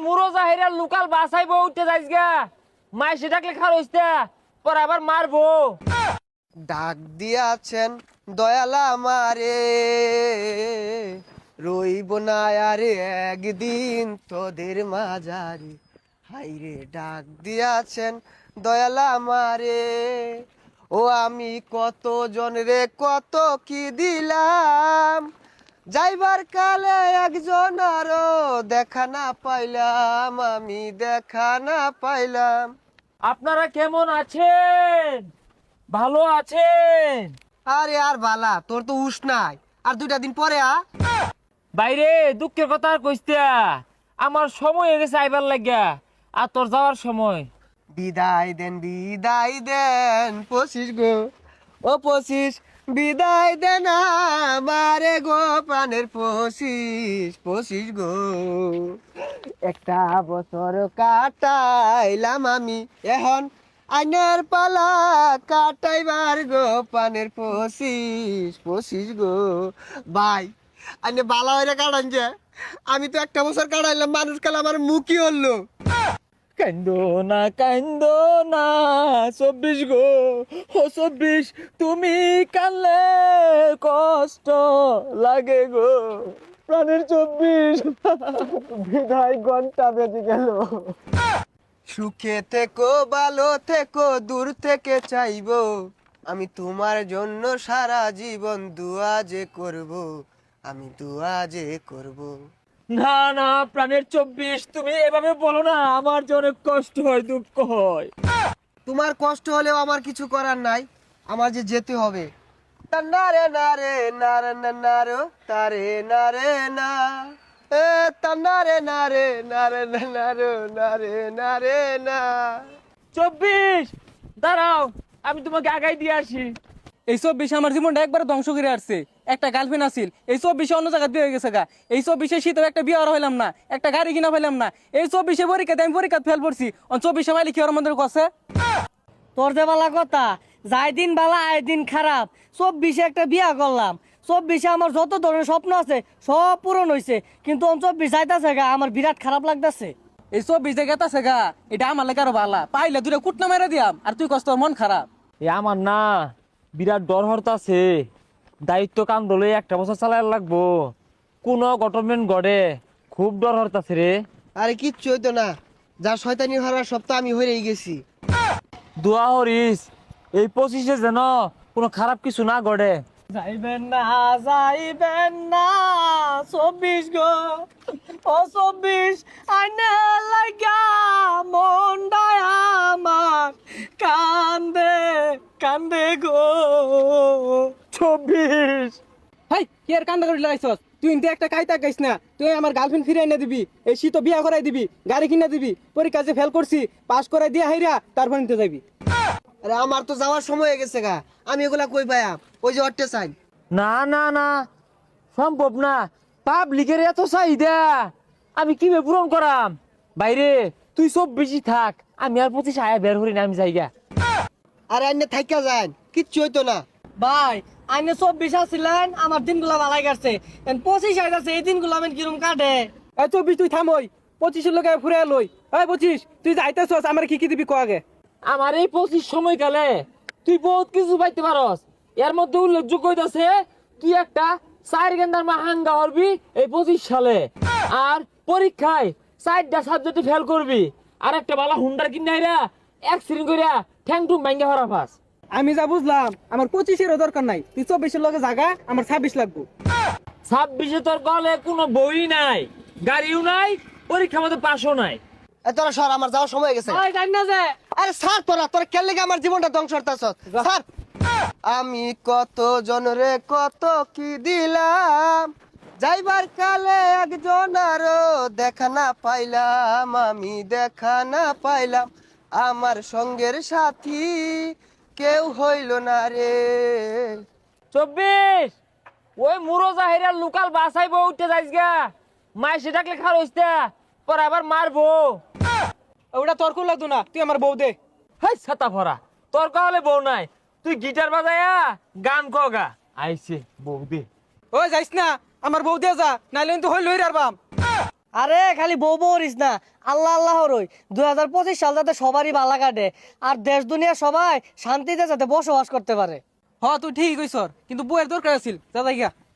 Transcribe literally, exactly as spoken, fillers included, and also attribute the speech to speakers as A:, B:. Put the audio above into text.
A: মুরো জাহিরা local বাসাইবো উঠতে যাইস গা মাই সেটাকে খার হইছে পর আবার মারবো।
B: ডাক দিয়াছেন দয়ালা আমারে, রইব না আরে একদিন তোদের মাঝারে। হাইরে ডাক দিয়াছেন দয়ালা আমারে, ও আমি কত জনরে কত কি দিলাম, যাইবার কালে একজন আরো দেখা না পাইলাম, আমি দেখা না পাইলাম।
A: আপনারা কেমন আছেন? ভালো আছেন?
B: আরে আর বালা, তোর তো উস নাই, আর দুইটা দিন পরে আ।
A: বাইরে দুঃখের কথা আর কইস্তা, আমার সময় হয়ে গেছে আইবার লাগিয়া, আর তোর যাওয়ার সময়।
B: বিদায় দেন বিদায় দেন পঁচিশ গো, ও পঁচিশ বিদায় দেন আমারে গো, প্রাণের পঁচিশ পঁচিশ গো। একটা বছর কাটাইলাম আমি, এখন আইনের পালা কাটাইবার গো, প্রাণের পঁচিশ পঁচিশ গো। ভাই আইনে বালা হইরে কাটান যে, আমি তো একটা বছর কাটাইলাম, মানুষ কাল আমার মুখই হলো।
A: কান্দো না কান্দো না চব্বিশ গো, ও চব্বিশ তুমি কানলে কষ্ট লাগে গো, প্রাণের চব্বিশ বিদায় ঘন্টা বেজে গেল।
B: সুখে থেকো ভালো থেকো দূর থেকে চাইবো, আমি তোমার জন্য সারা জীবন দুয়া যে করব, আমি দুয়া যে করব।
A: না না প্রাণের চব্বিশ তুমি এভাবে বলো না, আমার যে অনেক কষ্ট হয় দুঃখ হয়।
B: তোমার কষ্ট হলেও আমার কিছু করার নাই, আমার যে যেতে হবে। তা না রে না রে না রে না না রে তারে না রে না, এ তা না রে না রে না রে না না রে না রে না রে না।
A: চব্বিশ দাঁড়াও, আমি তোমাকে আগাই দিয়ে আসি।
C: এই চব্বিশে আমার জীবনটা একবার ধ্বংস করে আসছে। একটা গার্লফ্রেন্ড আছিল, এই চব্বিশে অন্য জায়গায় বিয়ে হয়ে গেছে গা। এই চব্বিশে শীতেও একটা বিয়ে আর হইলাম না, একটা গাড়ি কিনা পাইলাম না। এই চব্বিশে পরীক্ষাতে আমি পরীক্ষা ফেল পড়ছি, চব্বিশে মাইলে কি ওর মন্দির কাছে।
D: তোর যে বালা কথা, যাই দিন বালা আয় দিন খারাপ। চব্বিশে একটা বিয়া করলাম, চব্বিশে আমার যত ধরনের স্বপ্ন আছে সব পূরণ হয়েছে, কিন্তু চব্বিশ যাইতাছে গা, আমার বিরাট খারাপ লাগতেছে।
C: এই চব্বিশে গেতাছে গা, এটা আমার লেগে আরো ভালা, পাইলে দুটা কুটনা মেরে দিয়াম, আর তুই কষ্ট মন খারাপ।
A: এ আমার না বিরাট ডর হরতাছে, দায়িত্ব কাম দলে একটা বছর চালাই লাগবো, কোন গভর্নমেন্ট গড়ে খুব ডর হরতাছে রে।
B: আরে কিচ্ছু হইতো না, যা শয়তানি হওয়ার সব তো আমি হয়েই গেছি।
A: দোয়া হরিস এই পঁচিশে যেন কোনো খারাপ কিছু না গড়ে।
D: যাইবেন না যাইবেন না চব্বিশ গো, ও চব্বিশ আইনা লাগা মনটা আমার কান্দে কান্দে গো।
A: চব্বিশ
C: হাই কি আর কান্দা করে লাগাইছস? তুই ইনতে একটা কাইতা গাইস না, তুই আমার গার্লফ্রেন্ড ফিরে এনে দিবি, এই শীত বিয়া করাই দিবি, গাড়ি কিনে দিবি, পরীক্ষা যে ফেল করছি পাস করাই দিয়া হাইরা তারপর নিতে যাবি।
B: আরে আমার তো যাওয়ার সময় হয়ে গেছে গা, আমি এগুলা কই পাইয়া, ওই যে অট্টে চাই।
A: না না না সম্ভব না, পাবলিকের এত চাহিদা আমি কিভাবে পূরণ করাম। বাইরে তুই সব বেশি থাক, আমি আর পঁচিশ আয়া বের করি না, আমি যাইগা।
B: আরে আইনে থাইকা যান, কিচ্ছু হইতো না।
D: ভাই আইনে চব্বিশ আসছিলেন, আমার দিনগুলা ভালাই কাটছে, পঁচিশ আইতাছে, এই দিনগুলো আমি কিরম কাটে।
C: এই চব্বিশ তুই থাম, ওই পঁচিশের লোকে ফুরে লই। এই পঁচিশ তুই যাইতেছস, আমার কি কি দিবি ক আগে।
A: আমার এই পঁচিশ সময়কালে তুই বহুত কিছু পাইতে পারস, এর মধ্যে উল্লেখযোগ্য হইতাছে তুই একটা চার গেন্দার মাহাঙ্গা হরবি এই পঁচিশ সালে, আর পরীক্ষায় চারটা সাবজেক্টে ফেল করবি, আর একটা বালা হুন্ডার কিনাইরা অ্যাক্সিডেন্ট কইরা ঠ্যাং টুং ভাঙ্গা হরা ফাস।
C: আমি যা বুঝলাম আমার পঁচিশেরও দরকার নাই, তুই চব্বিশের লোকে জাগা, আমার ছাব্বিশ লাগবো।
A: ছাব্বিশে তোর গলে কোনো বই নাই, গাড়িও নাই, পরীক্ষা মতো পাশও নাই।
B: এ তোরা সর, আমার যাওয়ার সময় হয়ে গেছে।
D: ভাই জানি না যে
B: আরে স্যার তোরা তোরা কেন লেগে আমার জীবনটা ধ্বংস করতেছ স্যার। আমি কত জনরে কত কি দিলাম, যাইবার কালে একজন আরো দেখা না পাইলাম, আমি দেখা না পাইলাম, আমার সঙ্গের সাথী কেউ হইল না রে।
A: চব্বিশ ওই মুরো জাহিরা লোকাল বাসাইব উঠতে যাইস গা, মাই সেটাকে খার হইস্তা পর আবার মারবো।
C: ওটা তর্ক লাগতো না, তুই আমার বউ দে।
A: হাই ছাতা ভরা তোর কাহলে বউ নাই, তুই গিটার বাজায়া গান কগা আইছে বউ দে।
C: ওই যাইস না, আমার বউ দিয়ে যা, নাইলে কিন্তু হই লই রারবাম।
D: আরে খালি বউ বউরিস না, আল্লাহ আল্লাহ রই দুই হাজার পঁচিশ সাল যাতে সবারই ভালা কাটে আর দেশ দুনিয়া সবাই শান্তিতে যাতে বসবাস করতে পারে।
C: হ তুই ঠিকই কইছর, কিন্তু বউয়ের দরকার আছিল, যা যাই গা।